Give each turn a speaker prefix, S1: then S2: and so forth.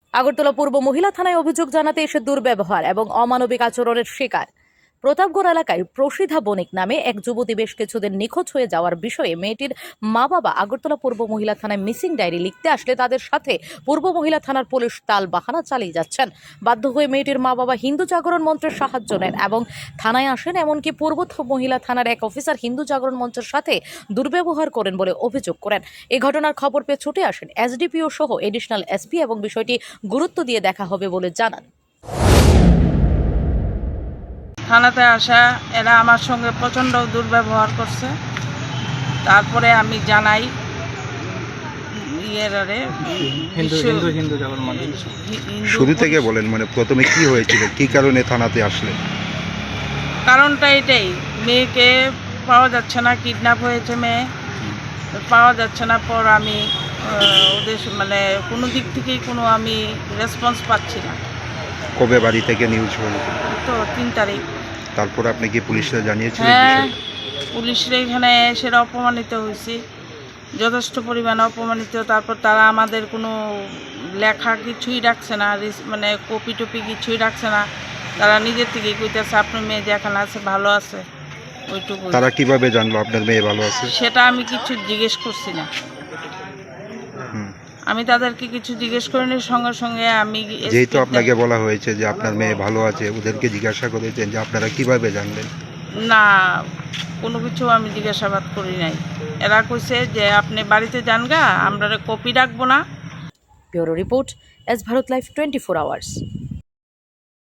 S1: আগরতলা পূর্ব মহিলা থানায় অভিযোগ জানাতে এসে দুর্ব্যবহার এবং অমানবিক আচরণের শিকার। প্রতাপগড় এলাকায় প্রসিদ্ধা বণিক নামে এক যুবতী বেশ কিছুদিন নিখোঁজ হয়ে যাওয়ার বিষয়ে মেয়েটির মা বাবা আগরতলা পূর্ব মহিলা থানায় মিসিং ডায়েরি লিখতে আসলে তাদের সাথে পূর্ব মহিলা থানার পুলিশ তাল বাহানা চালিয়ে যাচ্ছেন। বাধ্য হয়ে মেয়েটির মা বাবা হিন্দু জাগরণ মঞ্চের সাহায্য নেন এবং থানায় আসেন। এমনকি পূর্ব মহিলা থানার এক অফিসার হিন্দু জাগরণ মঞ্চের সাথে দুর্ব্যবহার করেন বলে অভিযোগ করেন। এই ঘটনার খবর পেয়ে ছুটে আসেন এসডিপিও সহ এডিশনাল এসপি এবং বিষয়টি গুরুত্ব দিয়ে দেখা হবে বলে জানান।
S2: থানাতে আসা এরা আমার সঙ্গে প্রচণ্ড দুর্ব্যবহার করছে। তারপরে আমি জানাই
S3: শুরু থেকে বলেন, মানে প্রথমে কি হয়েছিল, কি কারণে থানাতে আসলে?
S2: কারণটা এটাই, মেয়েকে পাওয়া যাচ্ছে না, কিডন্যাপ হয়েছে মেয়ে, পাওয়া যাচ্ছে না। পর আমি ওদের মানে কোনো দিক থেকেই কোনো আমি রেসপন্স পাচ্ছি না।
S3: কবে বাড়ি থেকে নিউজ হলো?
S2: তো 3 তারিখ।
S3: তারপর আপনি কি পুলিশরা জানিয়েছিলেন?
S2: হ্যাঁ, পুলিশরা এখানে এসে অপমানিত হয়েছি, যথেষ্ট পরিমাণে অপমানিত। তারপর তারা আমাদের কোনো লেখা কিছুই রাখছে না, মানে কপি টপি কিছুই রাখছে না। তারা নিজের থেকেই কইতেছে আপনার মেয়ে যেখানে আছে ভালো আছে, ওইটুকু।
S3: তারা কিভাবে জানলো আপনার মেয়ে ভালো আছে?
S2: সেটা আমি কিছু জিজ্ঞেস করছি না। আমি তাদেরকে কিছু জিজ্ঞেস করিনি, সঙ্গে সঙ্গে আমি
S3: যেহেতু আপনাকে বলা হয়েছে যে আপনার মেয়ে ভালো আছে, ওদেরকে জিজ্ঞাসা করেছেন যে আপনারা কিভাবে জানলেন?
S2: না, কোনো কিছু আমি জিজ্ঞাসাবাদ করি নাই। এরা কইছে যে আপনি বাড়িতে যান গা, আমরা কপি রাখবো না।
S1: Bureau report, S Bharat live 24 hours.